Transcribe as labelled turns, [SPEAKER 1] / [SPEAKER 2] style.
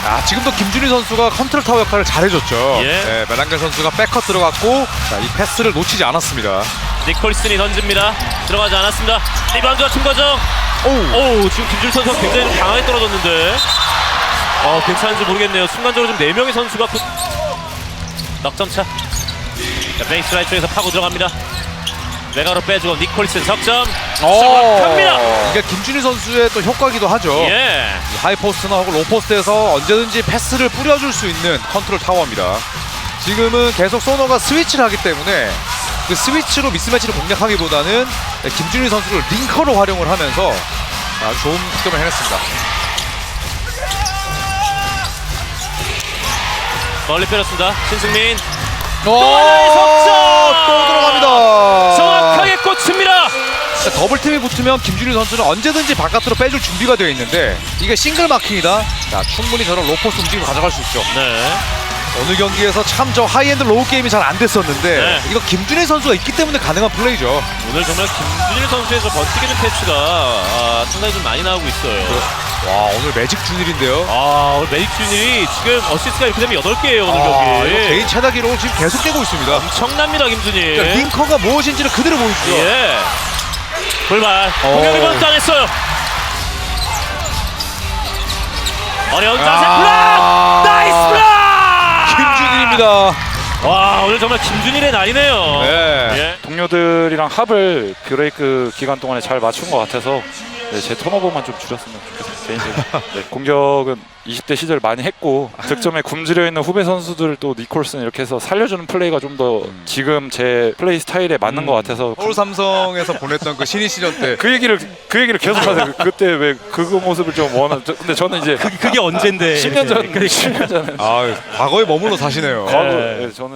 [SPEAKER 1] 지금도 김준희 선수가 컨트롤 타워 역할을 잘해줬죠.
[SPEAKER 2] 예.
[SPEAKER 1] 멜랑겔 선수가 백컷 들어갔고 이 패스를 놓치지 않았습니다.
[SPEAKER 2] 니콜슨이 던집니다. 들어가지 않았습니다. 리바운드와 충과정. 오, 지금 김준희 선수가 굉장히 좀 강하게 떨어졌는데 괜찮은지 모르겠네요. 순간적으로 좀 4명의 선수가 넉점차. 자, 베이스라인 쪽에서 파고 들어갑니다. 외곽으로 빼주고 니콜슨 석점. 정확합니다.
[SPEAKER 1] 이게 김준희 선수의 또 효과기도 하죠.
[SPEAKER 2] 예.
[SPEAKER 1] 하이포스트나 혹은 로포스트에서 언제든지 패스를 뿌려줄 수 있는 컨트롤 타워입니다. 지금은 계속 소너가 스위치를 하기 때문에 그 스위치로 미스매치를 공략하기보다는 김준희 선수를 링커로 활용을 하면서 아주 좋은 득점을 해냈습니다.
[SPEAKER 2] 멀리 빼렸습니다. 신승민.
[SPEAKER 1] 또
[SPEAKER 2] 하나의 석점!
[SPEAKER 1] 또 들어갑니다.
[SPEAKER 2] 정확하게 꽂힙니다.
[SPEAKER 1] 더블팀이 붙으면 김준희 선수는 언제든지 바깥으로 빼줄 준비가 되어 있는데 이게 싱글 마킹이다. 자, 충분히 저런 로포스 움직임을 가져갈 수 있죠.
[SPEAKER 2] 네.
[SPEAKER 1] 어느 경기에서 참 저 하이엔드 로우 게임이 잘 안 됐었는데
[SPEAKER 2] 네.
[SPEAKER 1] 이거 김준희 선수가 있기 때문에 가능한 플레이죠.
[SPEAKER 2] 오늘 정말 김준일 선수의 저 번뜩이는 패스가 상당히 좀 많이 나오고 있어요.
[SPEAKER 1] 와, 오늘 매직 준일인데요.
[SPEAKER 2] 오늘 메릭 준일이 지금 어시스트가 이렇게 되면 8개예요 오늘
[SPEAKER 1] 이거
[SPEAKER 2] 경기.
[SPEAKER 1] 개인 최다 기록을 지금 계속 깨고 있습니다.
[SPEAKER 2] 엄청납니다 김준일.
[SPEAKER 1] 그러니까 링커가 무엇인지를 그대로 보여주죠.
[SPEAKER 2] 예. 골발. 공격 리바운드 당했어요. 어려운 자세 블락. 나이스 블락.
[SPEAKER 1] 김준일입니다.
[SPEAKER 2] 와, 오늘 정말 김준일의 날이네요.
[SPEAKER 1] 네.
[SPEAKER 2] 예.
[SPEAKER 3] 동료들이랑 합을 브레이크 기간 동안에 잘 맞춘 것 같아서 제 턴오버만 좀 줄였으면 좋겠습니다. 개인적으로. 공격은 20대 시절 많이 했고 득점에 굶주려 있는 후배 선수들 또 니콜슨 이렇게 해서 살려주는 플레이가 좀 더 지금 제 플레이 스타일에 맞는 것 같아서
[SPEAKER 1] 서울 삼성에서 보냈던 그 신인 시절 때
[SPEAKER 3] 그 얘기를 계속 하세요. 그때 왜 그 모습을 좀 원하는 근데 저는 이제
[SPEAKER 2] 그게 언젠데?
[SPEAKER 3] 10년 전에
[SPEAKER 1] 과거에 머물러 사시네요.
[SPEAKER 3] 과거 저는